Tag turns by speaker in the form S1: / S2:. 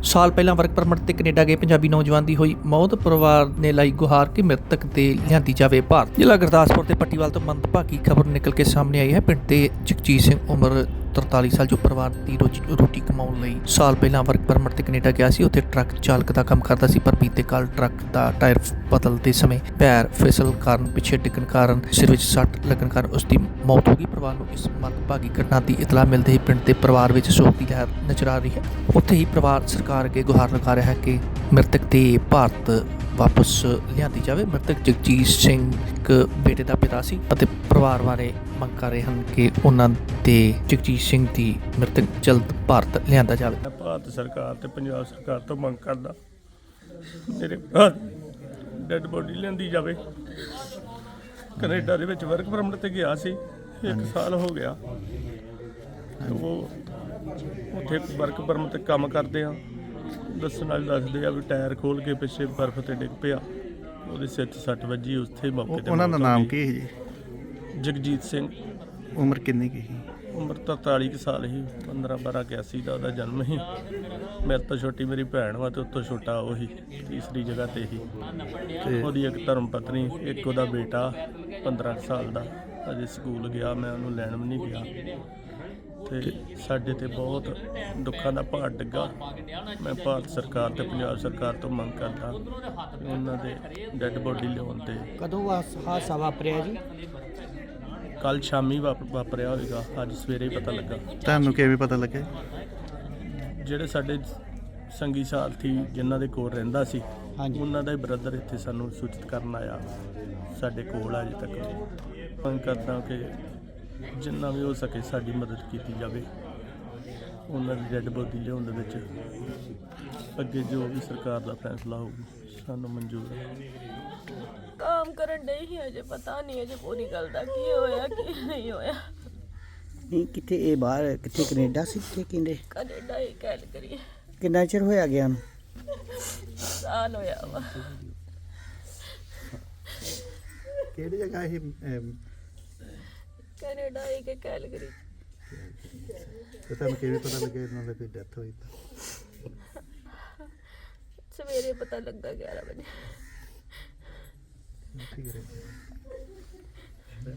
S1: ਸਾਲ ਪਹਿਲਾਂ work permit ਤੇ ਕੈਨੇਡਾ ਗਏ ਪੰਜਾਬੀ ਨੌਜਵਾਨ ਦੀ ਹੋਈ ਮੌਤ। ਪਰਿਵਾਰ ਨੇ ਲਾਈ ਗੁਹਾਰ ਕਿ ਮ੍ਰਿਤਕ ਤੇ ਲਿਆਂਦੀ ਜਾਵੇ ਭਾਰਤ। ਜ਼ਿਲ੍ਹਾ ਗੁਰਦਾਸਪੁਰ ਤੇ ਪੱਟੀਵਾਲ ਤੋਂ ਮੰਦਭਾਗੀ ਖਬਰ ਨਿਕਲ ਕੇ ਸਾਹਮਣੇ ਆਈ ਹੈ। ਪਿੰਡ ਦੇ ਜਗਜੀਤ ਸਿੰਘ ਉਮਰ 43 ਸਾਲ ਜੋ ਪਰਿਵਾਰ ਦੀ ਰੋਟੀ ਕਮਾਉਣ ਲਈ ਸਾਲ ਪਹਿਲਾਂ ਵਰਕ ਪਰਮਿਟ ਤੇ ਕੈਨੇਡਾ ਗਿਆ ਸੀ। ਉੱਥੇ ਟਰੱਕ ਚਾਲਕ ਦਾ ਕੰਮ ਕਰਦਾ ਸੀ, ਪਰ ਬੀਤੇ ਕੱਲ ਟਰੱਕ ਦਾ ਟਾਇਰ ਬਦਲਦੇ ਸਮੇਂ ਪੈਰ ਫਿਸਲ ਕਾਰਨ ਪਿੱਛੇ ਡਿੱਗਣ ਕਾਰਨ ਸਿਰ ਵਿੱਚ ਸੱਟ ਲੱਗਣ ਕਾਰਨ ਉਸ ਦੀ ਮੌਤ ਹੋ ਗਈ। ਪਰਿਵਾਰ ਨੂੰ ਇਸ ਮੰਦਭਾਗੀ ਘਟਨਾ ਦੀ ਇਤਲਾਹ ਮਿਲਦੇ ਹੀ ਪਿੰਡ ਦੇ ਪਰਿਵਾਰ ਵਿੱਚ ਸੋਗ ਦੀ ਲਹਿਰ ਨਜ਼ਰ ਆ ਰਹੀ ਹੈ। ਉੱਥੇ ਹੀ ਪਰਿਵਾਰ ਸਰਕਾਰ ਅੱਗੇ ਗੁਹਾਰ ਲਗਾ ਰਿਹਾ ਹੈ ਕਿ ਮ੍ਰਿਤਕ ਦੇ ਭਾਰਤ ਵਾਪਸ ਲਿਆਂਦੀ ਜਾਵੇ। ਮ੍ਰਿਤਕ ਜਗਜੀਤ ਸਿੰਘ ਇੱਕ ਬੇਟੇ ਦਾ ਪਿਤਾ ਸੀ ਅਤੇ ਪਰਿਵਾਰ ਬਾਰੇ ਮੰਗ ਕਰ ਰਹੇ ਹਨ ਕਿ ਉਹਨਾਂ ਦੇ ਜਗਜੀਤ ਸਿੰਘ ਦੀ ਮ੍ਰਿਤਕ ਜਲਦ ਭਾਰਤ ਲਿਆਂਦਾ ਜਾਵੇ।
S2: ਭਾਰਤ ਸਰਕਾਰ ਤੇ ਪੰਜਾਬ ਸਰਕਾਰ ਤੋਂ ਮੰਗ ਕਰਦਾ ਮੇਰੇ ਭਰਾ ਡੈਡ ਬੋਡੀ ਲਿਆਂਦੀ ਜਾਵੇ। ਕੈਨੇਡਾ ਦੇ ਵਿੱਚ ਵਰਕ ਪਰਮਿਟ ਤੇ ਗਿਆ ਸੀ, 1 ਸਾਲ ਹੋ ਗਿਆ। ਉਹ ਉੱਥੇ ਵਰਕ ਪਰਮਿਟ ਤੇ ਕੰਮ ਕਰਦੇ ਆ। ਦੱਸਣ ਵਾਲੇ ਦੱਸਦੇ ਆ ਵੀ ਟਾਇਰ ਖੋਲ ਕੇ ਪਿੱਛੇ ਬਰਫ਼ ਤੇ ਡਿੱਗ ਪਿਆ, ਉਹਦੇ ਸਿਰ 'ਚ ਸੱਟ ਵੱਜੀ। ਉੱਥੇ ਮੌਕੇ ਤੇ
S3: ਉਹਨਾਂ ਦਾ ਨਾਮ ਕੀ ਹੈ ਜੀ?
S2: ਜਗਜੀਤ ਸਿੰਘ।
S3: ਉਮਰ ਕਿੰਨੀ ਕੀ ਸੀ?
S2: ਉਮਰ ਤਾਂ 43 ਕੁ ਸਾਲ ਸੀ। 15/12/81 ਦਾ ਉਹਦਾ ਜਨਮ ਸੀ। ਮੇਰੇ ਤੋਂ ਛੋਟੀ ਮੇਰੀ ਭੈਣ ਵਾ ਤੇ ਉਸ ਤੋਂ ਛੋਟਾ ਉਹੀ ਤੀਸਰੀ ਜਗ੍ਹਾ ਤੇ ਹੀ। ਉਹਦੀ ਇੱਕ ਧਰਮ ਪਤਨੀ, ਇੱਕ ਉਹਦਾ ਬੇਟਾ 15 ਕੁ ਸਾਲ ਦਾ ਅਜੇ ਸਕੂਲ ਗਿਆ। ਮੈਂ ਉਹਨੂੰ ਲੈਣ ਵੀ ਨਹੀਂ ਗਿਆ। ਤੇ ਸਾਡੇ ਤੇ ਬਹੁਤ ਦੁੱਖਾਂ ਦਾ ਭਾਰ ਡਿੱਗਾ। ਮੈਂ ਭਾਰਤ ਸਰਕਾਰ ਤੇ ਪੰਜਾਬ ਸਰਕਾਰ ਤੋਂ ਮੰਗ ਕਰਦਾ ਕਿ ਉਹਨਾਂ ਦੇ ਡੈੱਡ ਬੋਡੀ ਲਿਆਉਣ ਤੇ।
S4: ਕਦੋਂ ਹਾਦਸਾ ਵਾਪਰਿਆ ਜੀ?
S2: ਕੱਲ ਸ਼ਾਮੀ ਵਾਪਰਿਆ ਹੋਵੇਗਾ, ਅੱਜ ਸਵੇਰੇ ਹੀ ਪਤਾ ਲੱਗਾ।
S3: ਤੁਹਾਨੂੰ ਕਿਵੇਂ ਪਤਾ ਲੱਗਿਆ?
S2: ਜਿਹੜੇ ਸਾਡੇ ਸੰਗੀ ਸਾਥੀ ਜਿਨ੍ਹਾਂ ਦੇ ਕੋਲ ਰਹਿੰਦਾ ਸੀ,
S4: ਹਾਂਜੀ,
S2: ਉਹਨਾਂ ਦਾ ਹੀ ਬ੍ਰਦਰ ਇੱਥੇ ਸਾਨੂੰ ਸੂਚਿਤ ਕਰਨ ਆਇਆ। ਸਾਡੇ ਕੋਲ ਅਜੇ ਤੱਕ ਮੰਗ ਕਰਦਾ ਕਿ ਜਿੰਨਾ ਵੀ ਹੋ ਸਕੇ ਸਾਡੀ ਮਦਦ ਕੀਤੀ ਜਾਵੇ। ਉਹਨਾਂ ਦੀ ਡੈੱਡ ਬੋਡੀ ਲਿਆਉਣ ਦੇ ਵਿੱਚ ਅੱਗੇ ਜੋ ਵੀ ਸਰਕਾਰ ਦਾ ਫੈਸਲਾ ਹੋਊਗਾ ਸਾਨੂੰ ਮਨਜ਼ੂਰ ਹੈ।
S5: काम करन डई ही अजे पता नहीं अजे पूरी गल दा की होया की नहीं होया।
S4: ਨਹੀਂ ਕਿੱਥੇ ਇਹ ਬਾਹਰ ਕਿੱਥੇ ਕੈਨੇਡਾ ਸੀ ਕਿੱਥੇ ਕਹਿੰਦੇ?
S5: कनेडा ही गल करिए
S4: ਕਿੰਨਾ ਚਿਰ ਹੋਇਆ ਗਿਆ ਨੂੰ?
S5: साल होया वा।
S3: ਕਿਹੜੀ ਜਗ੍ਹਾ ਇਹ?
S5: कनेडा ही के गल करी।
S3: ਤੇ ਤੁਹਾਨੂੰ ਕਿਵੇਂ ਪਤਾ ਲੱਗਿਆ ਇਹਨਾਂ ਦੀ ਕੋਈ ਡੈਥ ਹੋਈ ਤਾਂ?
S5: सवेरे पता लगा 11 बजे।
S3: ਠੀਕ ਹੈ।